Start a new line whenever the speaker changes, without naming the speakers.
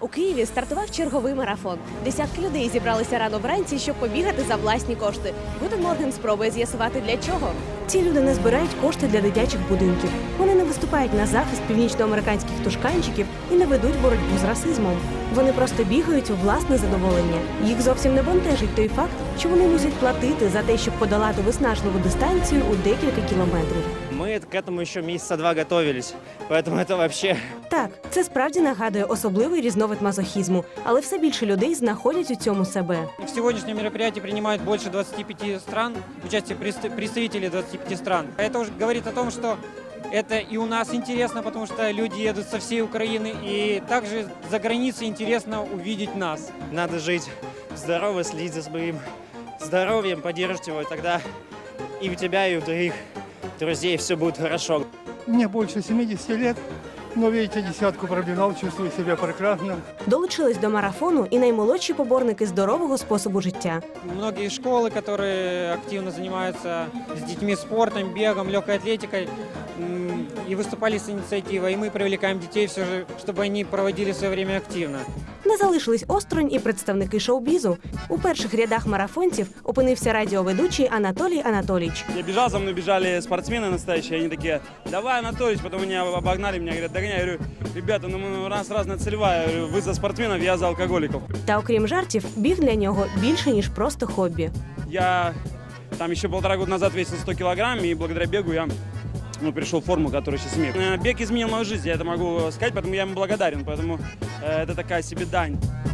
У Києві стартував черговий марафон. Десятки людей зібралися рано вранці, щоб побігати за власні кошти. Гутен Морген спробує з'ясувати, для чого. Ці люди не збирають кошти для дитячих будинків. Вони не виступають на захист північноамериканських тушканчиків і не ведуть боротьбу з расизмом. Вони просто бігають у власне задоволення. Їх зовсім не бентежить той факт, що вони мусять платити за те, щоб подолати виснажливу дистанцію у декілька кілометрів.
Мы к этому еще месяца два готовились, поэтому это вообще...
Так, це справді нагадує особливий різновид мазохізму, але все більше людей знаходять у цьому себе.
В сегодняшнем мероприятии принимают больше 25 стран, участие представителей 25 стран. Это уже говорит о том, что это и у нас интересно, потому что люди едут со всей Украины, и также за границей интересно увидеть нас.
Надо жить здорово, следить за своим здоровьем, поддерживать его, и тогда и у тебя, и у других друзей все будет хорошо.
Мне больше 70 лет, но, видите, десятку пробежал, чувствую себя прекрасно.
Долучились до марафону і наймолодші поборники здорового способу життя.
Многие школы, которые активно занимаются с детьми спортом, бегом, легкой атлетикой, и выступали с инициативой. И мы привлекаем детей все же, чтобы они проводили свое время активно.
Не залишились осторонь і представники шоу-бізу. У перших рядах марафонців опинився радіоведучий Анатолій Анатолійович.
Я бежал, за мной бежали спортсмены настоящие, они такие: давай, Анатольевич, потом меня обогнали, меня говорят, догоняй. Я говорю, ребята, ну у нас разная целевая, я говорю, вы за спортсменов, я за алкоголиков.
Та окрім жартів, біг для нього більше, ніж просто хобі.
Я там еще 1,5 года назад весил 100 килограмм, и благодаря бегу я пришел в форму, которую сейчас имею. Бег изменил мою жизнь, я это могу сказать, поэтому я ему благодарен, поэтому это такая себе дань.